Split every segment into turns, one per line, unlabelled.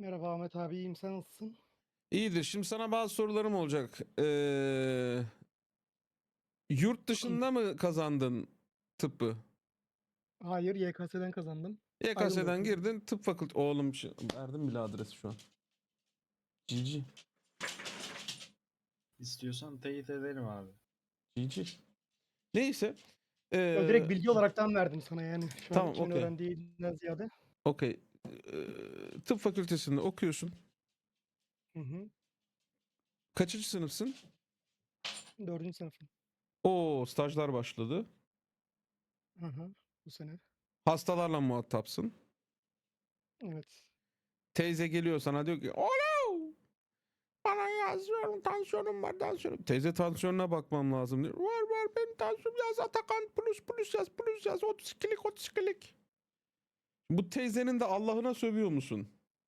Merhaba Ahmet abi, iyiyim. Sen nasılsın?
İyidir. Şimdi sana bazı sorularım olacak. Yurt dışında mı kazandın tıbbı?
Hayır, YKS'den kazandım. Aydın'da
YKS'den
okuyorum.
girdin. Tıp fakültesi. Oğlum verdim bile adresi şu an. Cici.
İstiyorsan teyit edelim abi.
Cici. Neyse.
Yo,
Eee,
direkt bilgi olaraktan verdim sana yani. Şu an
tamam,
kimin
okey.
öğrendiğinden ziyade.
Okey. Tıp fakültesinde okuyorsun.
Hı hı.
Kaçıncı sınıfsın?
4. sınıfım.
Oo, stajlar başladı.
Hı hı. Bu sene.
Hastalarla muhatapsın.
Evet.
Teyze geliyor sana diyor ki oğlum bana yazıyorum, tansiyonum var, tansiyonum. Teyze tansiyonuna bakmam lazım diyor. Var benim tansiyonum, yaz Atakan, plus yaz 32'lik. Bu teyzenin de Allah'ına sövüyor musun?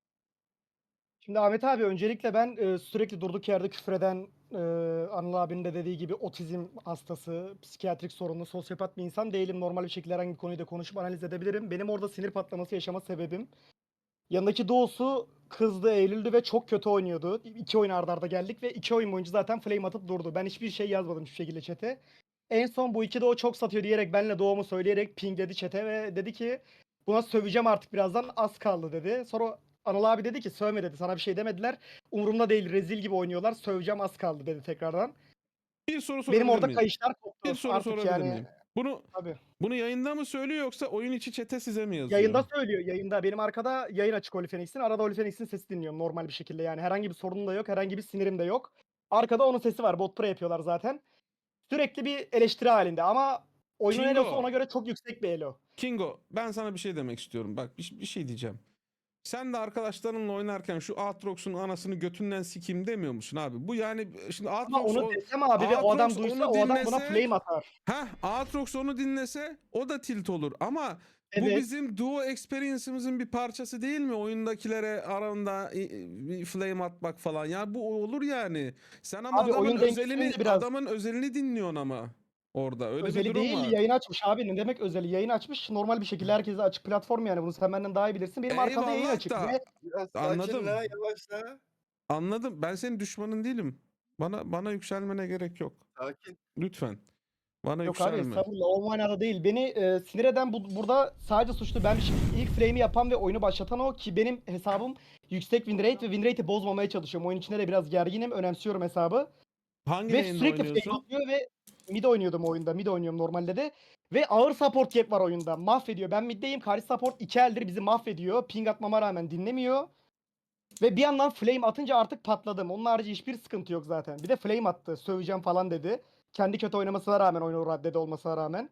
Şimdi Ahmet abi, öncelikle ben sürekli durduk yerde küfreden, Anıl abinin de dediği gibi otizm hastası, psikiyatrik sorunlu, sosyopat bir insan değilim. Normal bir şekilde herhangi bir konuyu da konuşup analiz edebilirim. Benim orada sinir patlaması yaşama sebebim, yanındaki Doğusu kızdı, Eylül'dü ve çok kötü oynuyordu. 2 oyun arda arda geldik ve 2 oyun boyunca zaten flame atıp durdu. Ben hiçbir şey yazmadım hiçbir şekilde chat'e. En son bu iki Doğu çok satıyor diyerek benle Doğumu söyleyerek pingledi chat'e ve dedi ki buna söveceğim artık, birazdan az kaldı dedi. Sonra Anıl abi dedi ki sövme dedi, sana bir şey demediler. Umurumda değil, rezil gibi oynuyorlar, söveceğim az kaldı dedi tekrardan.
Bir soru
Benim
sorabilir
orada
miyim?
kayışlar
Bir
koptu
soru
artık
sorabilir
yani.
miyim? Bunu
Tabii.
bunu yayında mı söylüyor yoksa oyun içi çete size mi yazıyor?
Yayında söylüyor, yayında. Benim arkada yayın açık Olifenix'in. Arada Olifenix'in sesi dinliyorum normal bir şekilde yani. Herhangi bir sorunum da yok, herhangi bir sinirim de yok. Arkada onun sesi var. Bot pro yapıyorlar zaten. Sürekli bir eleştiri halinde ama oyunun elosu
Kingo,
ona göre çok yüksek bir elo.
Kingo, ben sana bir şey demek istiyorum. Bak bir şey diyeceğim. Sen de arkadaşlarınla oynarken şu Aatrox'un anasını götünden sikeyim demiyor musun abi? Bu yani şimdi
Ama
Aatrox
onu desem abi ve o
Aatrox
adam duysa,
onu
o adam buna
dinlese,
flame atar.
Aatrox onu dinlese o da tilt olur. Ama bu
Evet.
bizim duo experience'ımızın bir parçası değil mi? Oyundakilere aranda bir flame atmak falan. Ya bu olur yani. Sen ama
Abi oyun dengesinin de biraz
adamın özelini dinliyorsun ama orada. Öyle bir
özeli
durum
değil,
var.
yayın açmış abi. Ne demek özeli? Yayın açmış normal bir şekilde, herkese açık platform yani. Bunu sen benden daha iyi bilirsin. Benim arkamda yayın
Eyvallah
açık
da
ve
Biraz sakin
anladım.
la, yavaşla.
Anladım. Ben senin düşmanın değilim. Bana yükselmene gerek yok.
Sakin.
Lütfen. Bana
yok abi,
yükselme.
estağfurullah, o manada değil. Beni sinir eden burada sadece suçlu benmişim. İlk frame'i yapan ve oyunu başlatan o, ki benim hesabım yüksek win rate ve win rate'i bozmamaya çalışıyorum. Oyun içinde de biraz gerginim, önemsiyorum hesabı.
Hangi
Ve
lane'de
sürekli flame
oynuyorsun?
atıyor ve mid oynuyordum oyunda. Mid oynuyorum normalde de. Ve ağır support gap var oyunda. Mahvediyor. Ben middeyim. Karşı support 2 eldir bizi mahvediyor. Ping atmama rağmen dinlemiyor. Ve bir yandan flame atınca artık patladım. Onun harici hiçbir sıkıntı yok zaten. Bir de flame attı. Söveceğim falan dedi. Kendi kötü oynamasına rağmen, oyunu raddede olmasına rağmen.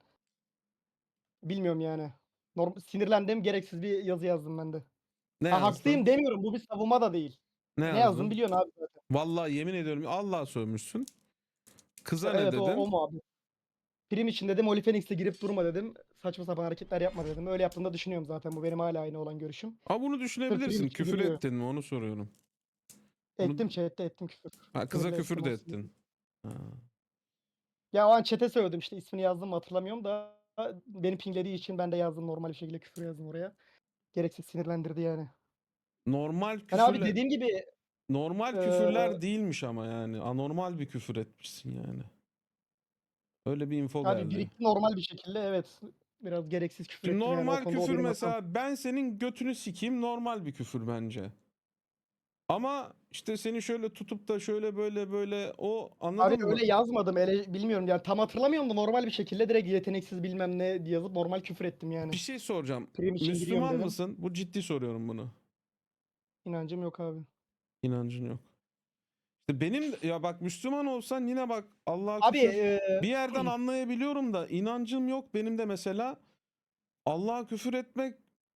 Bilmiyorum yani. Sinirlendim. Gereksiz bir yazı yazdım ben de.
Ne
Ha,
yazdın?
haklıyım demiyorum. Bu bir savunma da değil.
Ne
Ne yazdım
yazdın?
biliyorsun abi zaten.
Vallahi yemin ediyorum Allah'a sövmüşsün. Kıza ne
Evet, o
dedin?
muhabbet. Prim için dedim, Oli Phoenix'e girip durma dedim. Saçma sapan hareketler yapma dedim. Öyle yaptığını da düşünüyorum zaten. Bu benim hala aynı olan görüşüm.
Ama bunu
Sırf prim
düşünebilirsin.
için
Küfür
giriyor.
ettin mi onu soruyorum. Bunu
Ettim chat'te, ettim küfür.
kıza
Sinirli
küfür
ettim
de
olsun.
ettin. Ha.
Ya o an chat'e söyledim, işte ismini yazdım mı hatırlamıyorum da beni pinglediği için ben de yazdım, normal bir şekilde küfür yazdım oraya. Gereksiz sinirlendirdi yani.
Normal
Yani abi
küfürle
dediğim gibi
normal
eee,
küfürler değilmiş ama yani. Anormal bir küfür etmişsin yani. Öyle bir info
abi
geldi.
birikti normal bir şekilde, evet. Biraz gereksiz küfür
Şimdi
ettim yani, o
normal
konuda o
küfür
benim hatam.
mesela ben senin götünü sikeyim normal bir küfür bence. Ama işte seni şöyle tutup da şöyle böyle o
Abi
anladın mı?
öyle yazmadım. Bilmiyorum yani, tam hatırlamıyorum da normal bir şekilde direkt yeteneksiz bilmem ne diye yazıp normal küfür ettim
Bir
yani.
şey soracağım.
Prim için giriyorum
Müslüman
dedim.
mısın? Bu ciddi soruyorum bunu.
İnancım yok abi.
İnancın yok. İşte benim ya bak Müslüman olsan yine bak Allah'a
Abi
küfür bir yerden anlayabiliyorum da inancım yok benim de mesela Allah'a küfür etmek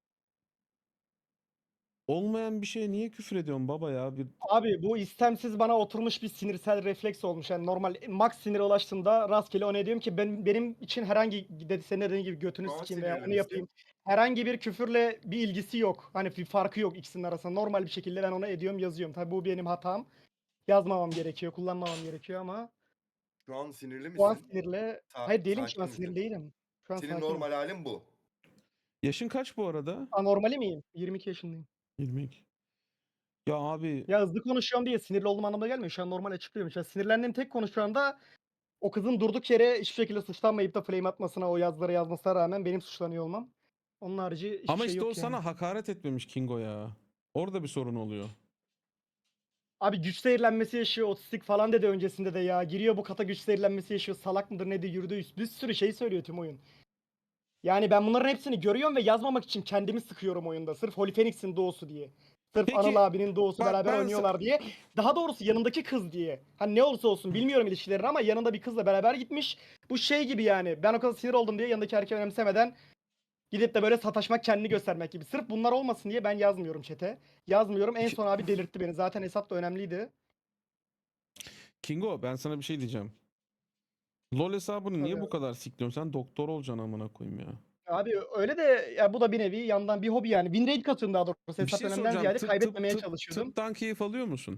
olmayan bir şeye niye küfür ediyorsun baba ya?
abi bu istemsiz bana oturmuş bir sinirsel refleks olmuş. Yani normal max sinire ulaştığımda rastgele ona diyorum ki benim için herhangi, dedi senin dediğin gibi, götünü
Şu an
sikeyim veya
sinirli
onu
misin?
yapayım. Herhangi bir küfürle bir ilgisi yok. Hani bir farkı yok ikisinin arasında. Normal bir şekilde ben ona ediyorum, yazıyorum. Tabii bu benim hatam. Yazmamam gerekiyor, kullanmamam gerekiyor ama
Şu an sinirli
şu an
misin?
sinirle... Hayır değilim, şu an
Sakin
sinirli
misin?
değilim. Şu an
Senin
sakinim.
normal halin bu.
Yaşın kaç bu arada?
Anormali miyim? 22 yaşındayım.
22. Ya abi
Ya hızlı konuşuyorum diye sinirli olduğum anlamına gelmiyor. Şu an normal açıklıyorum. Şu an sinirlendiğim tek konu şu anda o kızın durduk yere hiçbir şekilde suçlanmayıp da flame atmasına, o yazıları yazmasına rağmen benim suçlanıyor olmam. Onun harici hiçbir
ama
şey
işte o
yok yani.
sana hakaret etmemiş Kingo ya. Orada bir sorun oluyor.
Abi güç zehirlenmesi yaşıyor, otistik falan dedi öncesinde de ya. Giriyor bu kata güç zehirlenmesi yaşıyor, salak mıdır nedir yürüdü. Bir sürü şey söylüyor tüm oyun. Yani ben bunların hepsini görüyorum ve yazmamak için kendimi sıkıyorum oyunda. Sırf Holy Phoenix'in doğusu diye. Sırf Anıl
Peki
abinin doğusu
bak
beraber
ben
oynuyorlar diye. Daha doğrusu yanındaki kız diye. Hani ne olursa olsun bilmiyorum ilişkilerini ama yanında bir kızla beraber gitmiş. Bu şey gibi yani. Ben o kadar sinir oldum diye yanındaki erkeği önemsemeden gidip de böyle sataşmak, kendini göstermek gibi. Sırf bunlar olmasın diye ben yazmıyorum chat'e. Yazmıyorum. En son abi delirtti beni. Zaten hesap da önemliydi.
Kingo ben sana bir şey diyeceğim. LoL hesabını
Tabii
niye bu
abi.
kadar sikliyorsun? Sen doktor olacaksın amına koyayım ya.
Abi öyle de ya bu da bir nevi yandan bir hobi yani. Win rate katıyorum daha doğrusu.
Bir
Hesap
şey
önemden
soracağım.
ziyade kaybetmemeye çalışıyordum.
Tıptan keyif alıyor musun?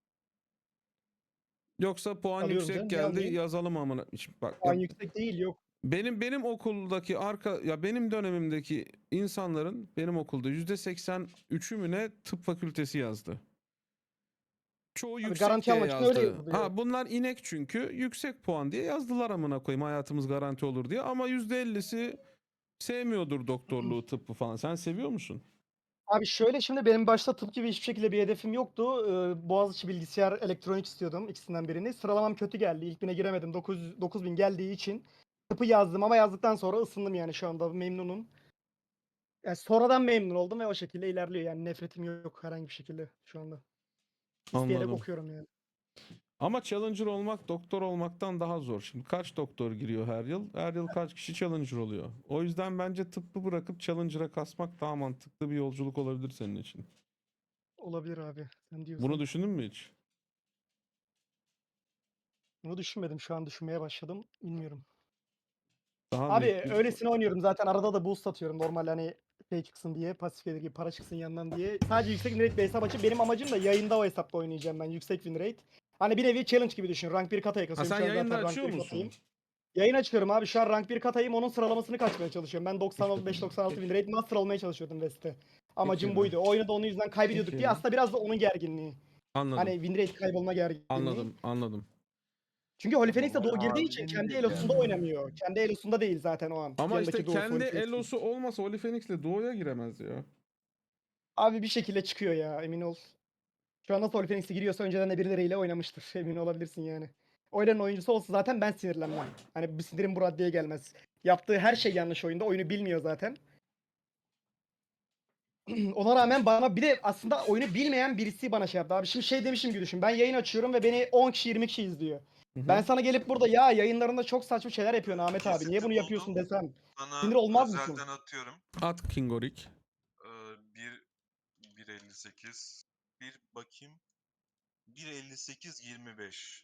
Yoksa puan
Alıyorum
yüksek
canım. Niye
geldi
almayayım?
yazalım amına. Şimdi bak ya
Puan yüksek değil yok.
benim okuldaki benim dönemimdeki insanların benim okulda %83'ü mü ne tıp fakültesi yazdı. Çoğu
Abi
yüksek
garanti
diye
almak için öyle
yazdı.
yazılıyor.
Ha bunlar inek çünkü yüksek puan diye yazdılar amına koyayım hayatımız garanti olur diye ama %50'si sevmiyordur doktorluğu tıbbı falan. Sen seviyor musun?
Abi şöyle şimdi benim başta tıp gibi hiçbir şekilde bir hedefim yoktu. Boğaziçi bilgisayar elektronik istiyordum ikisinden birini. Sıralamam kötü geldi. İlk bine giremedim. 9000 geldiği için tıpı yazdım ama yazdıktan sonra ısındım yani şu anda memnunum. Yani sonradan memnun oldum ve o şekilde ilerliyor. Yani nefretim yok herhangi bir şekilde şu anda. İsteyerek
Anladım.
okuyorum yani.
Ama challenger olmak doktor olmaktan daha zor. Şimdi kaç doktor giriyor her yıl? Her yıl kaç kişi challenger oluyor? O yüzden bence tıbbı bırakıp challenger'a kasmak daha mantıklı bir yolculuk olabilir senin için.
Olabilir abi. Sen
Bunu
diyorsan.
düşündün mü hiç?
Bunu düşünmedim. Şu an düşünmeye başladım. Bilmiyorum.
Daha
Abi
büyük bir...
öylesine oynuyorum zaten arada da boost atıyorum normal hani şey çıksın diye pasif gelir gibi para çıksın yandan diye. Sadece yüksek win rate bir hesap açıp benim amacım da yayında o hesapta oynayacağım ben yüksek win rate. Hani bir nevi challenge gibi düşün. Rank 1 kataya
Ha
kasıyorum
sen
şu an
yayında
zaten rank
açıyor
1
musun?
katayım. Yayın açıyorum abi şu an rank 1 katayım onun sıralamasını kaçmaya çalışıyorum. Ben 95-96 win rate master olmaya çalışıyordum West'te. Amacım
Peki.
buydu. O oyunu da onun yüzden kaybediyorduk diye
Peki.
aslında biraz da onun gerginliği. Hani
Anladım.
win rate kaybolma gerginliği.
Anladım.
Çünkü Holy
Ama
Phoenix de
o
doğu girdiği için kendi
abinidir
elosunda
yani.
oynamıyor. Kendi elosunda değil zaten o an.
Ama işte
Yanındaki doğusu Holy
kendi
Phoenix'in.
elosu olmasa Oli Phoenix'le doğuya giremez ya.
Abi bir şekilde çıkıyor ya emin ol. Şu anda Holy Phoenix'e giriyorsa önceden de birileriyle oynamıştır. Emin olabilirsin yani. Oyların oyuncusu olsa zaten ben sinirlenmem. Hani bir sinirim bu raddeye gelmez. Yaptığı her şey yanlış oyunda. Oyunu bilmiyor zaten. Ona rağmen bana bir de aslında oyunu bilmeyen birisi bana şey yaptı. Abi şimdi şey demişim gibi düşün. Ben yayın açıyorum ve beni 10 kişi 20 kişi izliyor.
Hı
Ben
hı.
sana gelip burada ya yayınlarında çok saçma şeyler yapıyorsun Ahmet abi. Niye
Kesiti
bunu
buldum.
yapıyorsun desem.
Sana
Sinir olmaz mısın?
özelden atıyorum.
At Kingorik.
1.58. Bir bakayım. 1.58-25.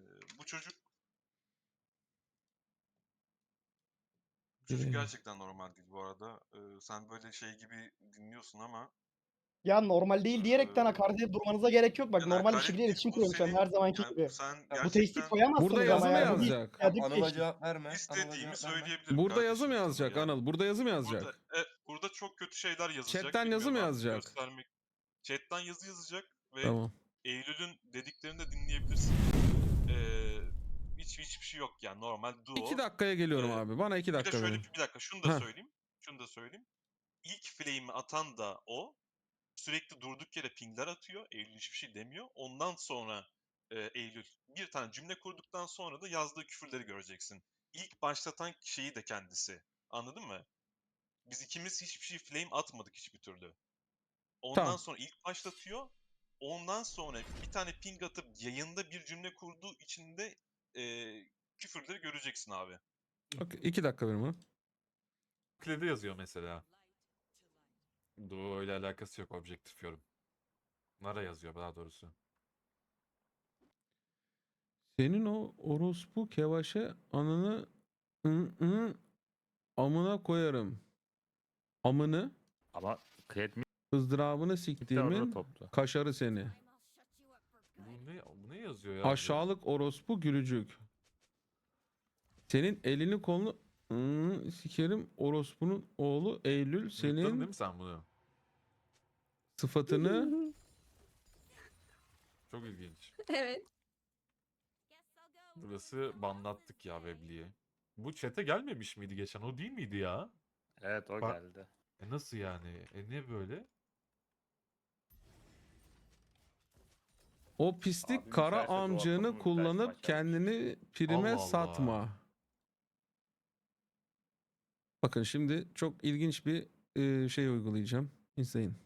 Bu çocuk gerçekten normal değil bu arada. Sen böyle şey gibi dinliyorsun ama
Ya normal değil diyerekten
ee,
hakaret edip durmanıza gerek yok. Bak
yani
normal bir şekilde
hakaret değil
iletişim
bu
kuruyorum şu an
senin
her zamanki
yani
gibi.
sen
Bu tehdit
gerçekten
Burada
koyamazsınız
yazı
ama
mı
yani bu bir
yazacak?
psikolojik
Anıl'a
teşhis.
cevap verme. Anıl'a
istediğimi
cevap verme.
söyleyebilirim
Burada yazı
kardeşim
mı
sana
yazacak
ya.
Anıl? Burada yazı mı
Burada
yazacak?
burada çok kötü şeyler yazılacak.
Chat'ten yazı
Bilmiyorum
mı
artık
yazacak?
göstermek. Chat'ten yazı yazacak ve
Tamam.
Eylül'ün dediklerini de dinleyebilirsin. Ee, hiçbir şey yok yani normal
2
duo.
dakikaya geliyorum
Ee,
abi. Bana 2
bir de
dakika
şöyle
verin.
bir dakika şunu da
Heh.
söyleyeyim. Şunu da söyleyeyim. İlk flame'i atan da o. Sürekli durduk yere pingler atıyor. Eylül hiçbir şey demiyor. Ondan sonra Eylül bir tane cümle kurduktan sonra da yazdığı küfürleri göreceksin. İlk başlatan şeyi de kendisi. Anladın mı? Biz ikimiz hiçbir şey flame atmadık hiçbir türlü. Ondan
Tamam.
sonra ilk başlatıyor. Ondan sonra bir tane ping atıp yayında bir cümle kurduğu için de küfürleri göreceksin abi.
Okay, 2 dakika verin bana.
Klede yazıyor mesela. Duo ile alakası yok objektif yorum. Nara yazıyor daha doğrusu.
Senin o orospu kevaşe ananı ı, amına koyarım. Amını
Ama Kred
ızdırabını
Mid'de arada
siktiğimin
topta.
kaşarı seni.
Bu ne yazıyor ya?
Aşağılık orospu gülücük. Senin elini kolunu sikerim orospunun oğlu Eylül
Mute'ladın değil
senin
mi sen bunu?
sıfatını
Çok ilginç.
Evet.
Burası banlattık ya Webli'ye. Bu chat'e gelmemiş miydi geçen? O değil miydi ya?
Evet o
Bak-
geldi.
Nasıl yani? Ne böyle?
O pislik
Abim
kara
içerse doğaçlama
amcığını
müptelasını
kullanıp
açarmış.
kendini prime
Allah Allah.
satma. Bakın şimdi çok ilginç bir şey uygulayacağım. İzleyin.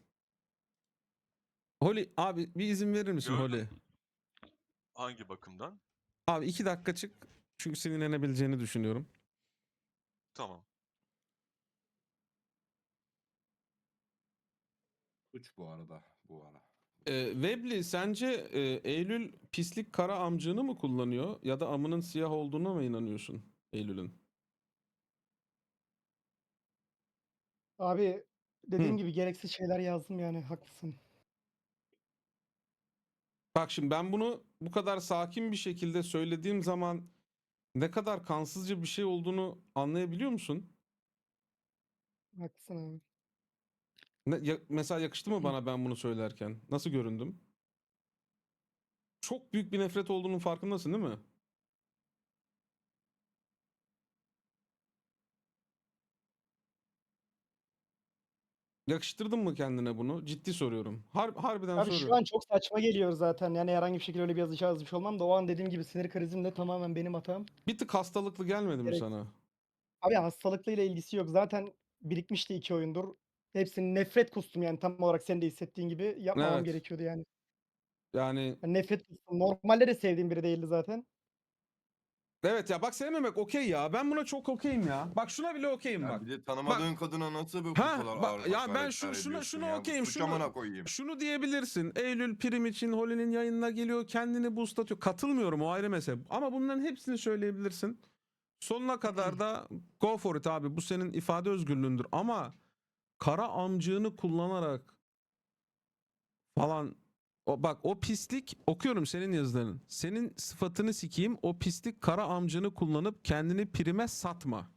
Holly abi bir izin verir misin
Gördüm.
Holly?
Hangi bakımdan?
Abi 2 dakika çık. Çünkü sinirlenebileceğini düşünüyorum.
Tamam.
Suç bu arada bu ara.
Webli sence Eylül pislik kara amcığını mı kullanıyor ya da amının siyah olduğuna mı inanıyorsun Eylül'ün?
Abi dediğim
Hı.
gibi gereksiz şeyler yazdım yani haklısın.
Bak şimdi ben bunu bu kadar sakin bir şekilde söylediğim zaman ne kadar kansızca bir şey olduğunu anlayabiliyor musun?
Haklısın abi.
Mesela yakıştı mı bana ben bunu söylerken? Nasıl göründüm? Çok büyük bir nefret olduğunun farkındasın değil mi? Yakıştırdın mı kendine bunu? Ciddi soruyorum. Harbiden
Abi şu
soruyorum.
an çok saçma geliyor zaten. Yani herhangi bir şekilde öyle bir yazı yazmış olmam da o an dediğim gibi sinir krizimde tamamen benim hatam.
Bir tık hastalıklı gelmedi mi
Gerek-
sana?
Abi hastalıklıyla ilgisi yok. Zaten birikmişti 2 oyundur. Hepsini nefret kustum yani tam olarak senin de hissettiğin gibi yapmamam
Evet.
gerekiyordu yani.
Yani
Yani nefret kustum. Normalde de sevdiğim biri değildi zaten.
evet ya bak sevmemek okey ya. Ben buna çok okeyim ya. Bak şuna bile okeyim
Ya
bu
bir de tanımadığın kadına nasıl bu
Ha
kadar
bak
ağır
ya ben
hakaretler
şuna
ediyorsun ya? Bu
okeyim.
suç amına koyayım.
Şunu diyebilirsin. Eylül prim için Holly'nin yayınına geliyor. Kendini boostlatıyor. Katılmıyorum, o ayrı mesele. Ama bunların hepsini söyleyebilirsin. Sonuna kadar da go for it abi. Bu senin ifade özgürlüğündür. Ama kara amcığını kullanarak falan bak o pislik, okuyorum senin yazıların. Senin sıfatını sikeyim, o pislik kara amcığını kullanıp kendini prime satma.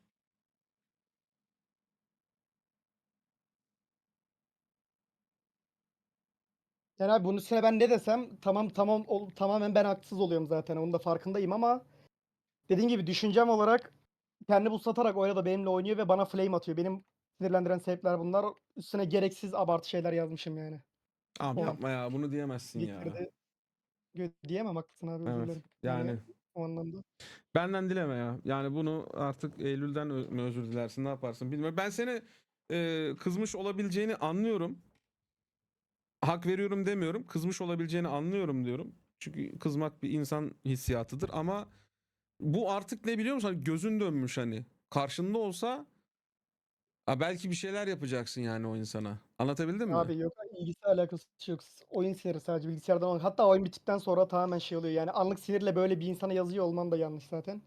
Yani abi bunun üstüne ben ne desem tamamen ben haksız oluyorum zaten. Onun da farkındayım ama dediğim gibi düşüncem olarak kendi bu satarak o arada benimle oynuyor ve bana flame atıyor. Benim sinirlendiren sebepler bunlar. Üstüne gereksiz abartı şeyler yazmışım yani.
Abi
O an.
yapma ya, bunu diyemezsin ya.
Twitter'da diyemem haklısın abi özür
Evet
dilerim.
yani
O anlamda.
benden dileme ya. Yani bunu artık Eylül'den mi özür dilersin, ne yaparsın bilmiyorum. Ben seni kızmış olabileceğini anlıyorum. Hak veriyorum demiyorum. Kızmış olabileceğini anlıyorum diyorum. Çünkü kızmak bir insan hissiyatıdır ama bu artık ne biliyor musun? Hani gözün dönmüş hani. Karşında olsa belki bir şeyler yapacaksın yani o insana. Anlatabildim mi?
Abi yok ilgisi alakası yok. Oyun siniri sadece bilgisayardan. Hatta oyun bittikten sonra tamamen şey oluyor. Yani anlık sinirle böyle bir insana yazıyor olman da yanlış zaten.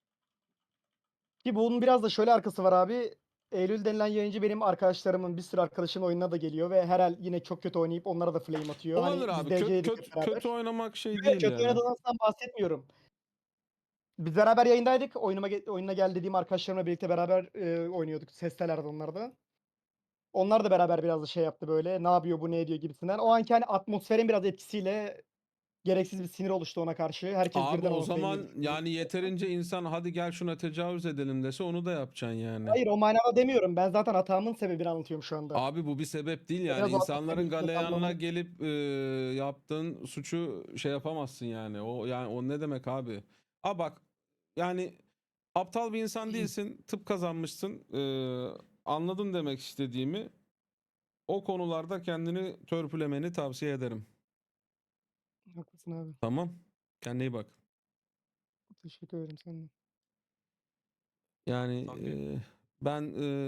Ki bunun biraz da şöyle arkası var abi. Eylül denilen yayıncı benim arkadaşlarımın bir sürü arkadaşın oyununa da geliyor ve her el yine çok kötü oynayıp onlara da flame atıyor.
Olabilir
Hani biz
abi.
dereceydik hep beraber.
Kötü oynamak şey
Ve
değil
kötü
yani.
oynadığınızdan bahsetmiyorum. Biz beraber yayındaydık. Oyununa gel dediğim arkadaşlarımla birlikte beraber oynuyorduk. Sestelerdi onlar da. Onlar da beraber biraz da şey yaptı böyle. Ne yapıyor bu ne ediyor gibisinden. O anki hani atmosferin biraz etkisiyle gereksiz bir sinir oluştu ona karşı. Herkes
Abi
birden
o
ona flame
zaman
yedi.
yani yeterince insan hadi gel şuna tecavüz edelim dese onu da yapacaksın yani.
Hayır o manada demiyorum. Ben zaten hatamın sebebini anlatıyorum şu anda.
Abi bu bir sebep değil yani.
Biraz o atmosferin
İnsanların
içinde
galeyanına
kalmamın.
gelip yaptığın suçu şey yapamazsın yani. O ne demek abi? Bak yani aptal bir insan değilsin. Tıp kazanmışsın. Anladın demek istediğimi. O konularda kendini törpülemeni tavsiye ederim.
Haklısın abi.
Tamam. Kendine iyi bak.
Teşekkür ederim senden.
Yani
Okey.
ben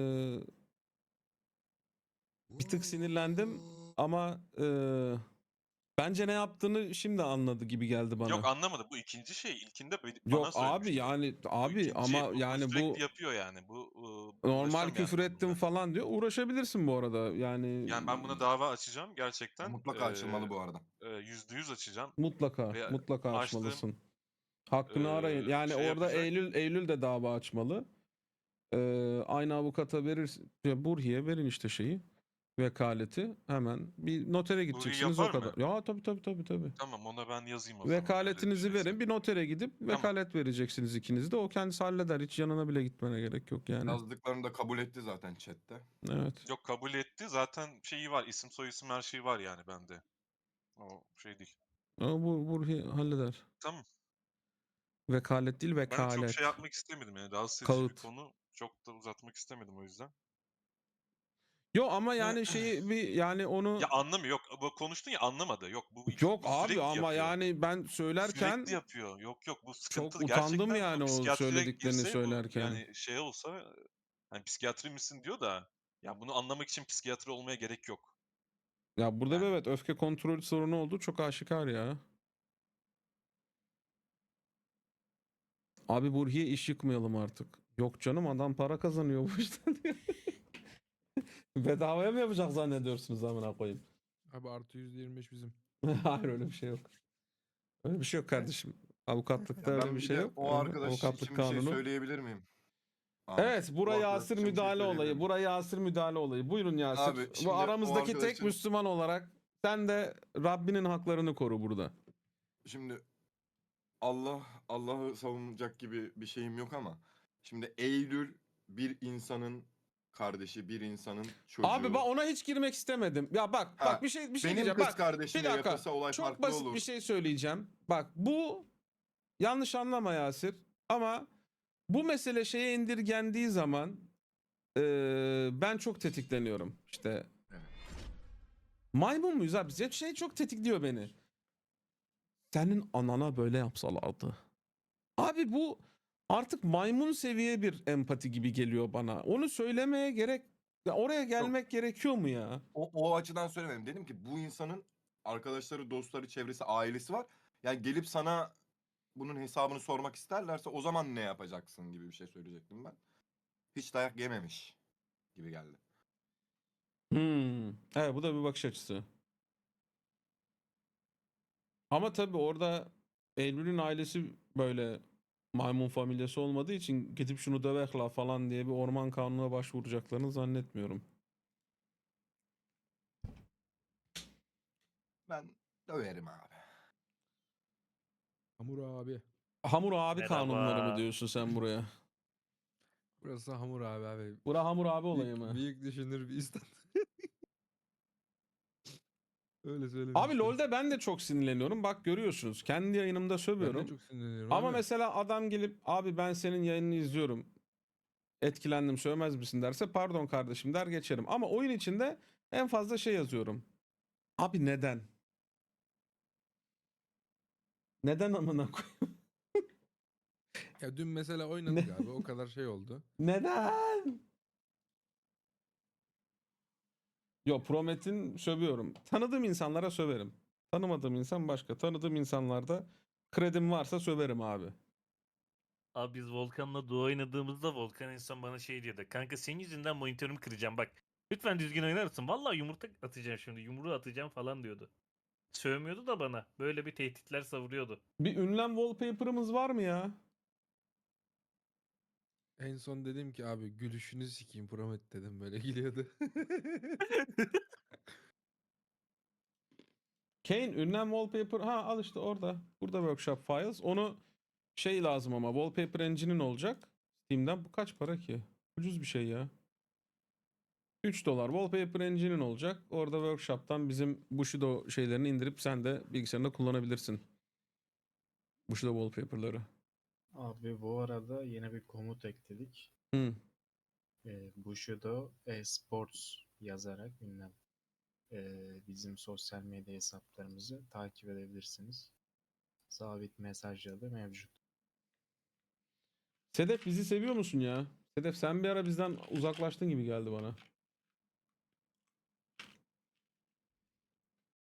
bir tık sinirlendim ama bence ne yaptığını şimdi anladı gibi geldi bana.
Yok anlamadı. Bu ikinci şey. İlkinde
Yok
bana
abi
söylemişti.
yani
Bu
abi
ikinci,
ama
bunu
yani bu
sürekli yapıyor yani. Bu
normal
uğraşacağım
küfür
yani ben
ettim
bununla.
falan diyor. Uğraşabilirsin bu arada. Yani
Yani ben buna dava açacağım gerçekten.
Mutlaka açılmalı bu arada.
%100 açacağım.
mutlaka
Ve
mutlaka
açtığım
açmalısın. Hakkını arayın. Yani
şey
orada
yapacak.
Eylül de dava açmalı. Aynı avukata verir, Burhi'ye verin işte şeyi. vekaleti hemen bir notere gideceksiniz o
yapar mı?
kadar. Ya tabii.
Tamam, ona ben yazayım o zaman. öyle bir
Vekaletinizi
şeyse.
verin, bir notere gidip vekalet vereceksiniz ikiniz de. O kendisi halleder. Hiç yanına bile gitmene gerek yok yani.
Yazdıklarını da kabul etti zaten chatte.
Evet.
Yok, kabul etti. Zaten şeyi var. İsim soyisim her şeyi var yani bende. O şey değil.
Ama bu Burhi halleder.
Tamam.
Vekalet değil,
Ben çok şey
vekalet.
yapmak istemedim yani. Rahatsız edici bir
Kağıt.
konu. Çok da uzatmak istemedim o yüzden.
Yo ama yani şeyi bir yani onu
Ya anlamıyor. Yok, bu konuştun ya, anlamadı. Yok, bu
yok
bu
abi
sürekli
ama
yapıyor.
yani ben
Sürekli
söylerken
yapıyor. Yok, bu
çok
sıkıntılı.
utandım
Gerçekten
yani
bu
o
psikiyatriye
söylediklerini
girse, bu
söylerken.
yani şey olsa, hani psikiyatri misin diyor da ya bunu anlamak için psikiyatri olmaya gerek yok.
Ya burada
Yani.
evet öfke kontrol sorunu olduğu çok aşikar ya. Abi Burhi'ye iş yıkmayalım artık. Yok canım adam para kazanıyor bu işten diyor. Bedavaya mı yapacak zannediyorsunuz amına koyayım?
Abi artı %25 bizim.
Hayır öyle bir şey yok. Öyle bir şey yok kardeşim. Avukatlıkta
Ya
öyle bir
ben bir
şey
de
yok.
o arkadaş
Avukatlık
için bir şey
kanunu.
söyleyebilir miyim? Ahmet.
Evet,
O
buraya
arkadaş
Yasir
için bir şey
müdahale
söyleyebilir
olayı.
miyim?
Buraya Yasir müdahale olayı. Buyurun Yasir.
Abi
Bu
şimdi o
aramızdaki tek
arkadaşın
Müslüman olarak sen de Rabbinin haklarını koru burada.
şimdi Allah'ı savunacak gibi bir şeyim yok ama şimdi Eylül bir insanın kardeşi, bir insanın çocuğu.
Abi ben ona hiç girmek istemedim. Ya bak
Ha,
bir şey
benim
diyeceğim.
kız
Bak
kardeşime
bir dakika.
yapılsa olay
Çok
farklı
basit
olur.
bir şey söyleyeceğim. Bak bu yanlış anlama Yasir ama bu mesele şeye indirgendiği zaman ben çok tetikleniyorum. İşte
Evet.
maymun muyuz abi? Şey çok tetikliyor beni. Senin anana böyle yapsalardı. Abi bu artık maymun seviye bir empati gibi geliyor bana. Onu söylemeye gerek ya oraya gelmek gerekiyor mu ya?
O açıdan söylemedim. Dedim ki bu insanın arkadaşları, dostları, çevresi, ailesi var. Yani gelip sana bunun hesabını sormak isterlerse o zaman ne yapacaksın gibi bir şey söyleyecektim ben. Hiç dayak yememiş gibi geldi.
Evet bu da bir bakış açısı. Ama tabii orada Eylül'ün ailesi böyle maymun familyası olmadığı için gidip şunu dövek la falan diye bir orman kanununa başvuracaklarını zannetmiyorum.
Ben döverim abi.
Hamur abi.
Hamur abi
Merhaba.
kanunları mı diyorsun sen buraya?
Burası hamur abi.
Bura hamur abi olayı mı?
Büyük düşünür bir istat. Öyle söylemiş.
Abi LoL'de ben de çok sinirleniyorum. Bak görüyorsunuz. Kendi yayınımda
Ben
sövüyorum.
de çok sinirleniyorum
Ama
abi.
mesela adam gelip abi ben senin yayınını izliyorum. Etkilendim sövmez misin derse pardon kardeşim der geçerim. Ama oyun içinde en fazla şey yazıyorum. Abi neden? Neden amına koyayım?
Ya dün mesela oynadık abi. O kadar şey oldu.
Neden? Yo Promet'in sövüyorum. Tanıdığım insanlara söverim. Tanımadığım insan başka. Tanıdığım insanlarda kredim varsa söverim abi.
Abi biz Volkan'la duo oynadığımızda Volkan insan bana şey diyordu. Kanka senin yüzünden monitörümü kıracağım bak. Lütfen düzgün oynar mısın? Vallahi yumurta atacağım şimdi. Yumruğu atacağım falan diyordu. Sövmüyordu da bana. Böyle bir tehditler savuruyordu.
Bir ünlem wallpaper'ımız var mı ya?
En son dedim ki abi gülüşünü sikeyim Promet dedim böyle gülüyordu.
Kane ünlem wallpaper ha al işte orada. Burada workshop files. Onu şey lazım ama wallpaper engine'in olacak. Steam'den bu kaç para ki? Ucuz bir şey ya. $3 wallpaper engine'in olacak. Orada workshop'tan bizim Bushido şeylerini indirip sen de bilgisayarında kullanabilirsin. Bushido wallpaper'ları.
Abi bu arada yeni bir komut ekledik.
Hı.
Bushido Sports yazarak ünlem bizim sosyal medya hesaplarımızı takip edebilirsiniz. Sabit mesajları da mevcut.
Sedef bizi seviyor musun ya? Sedef sen bir ara bizden uzaklaştın gibi geldi bana.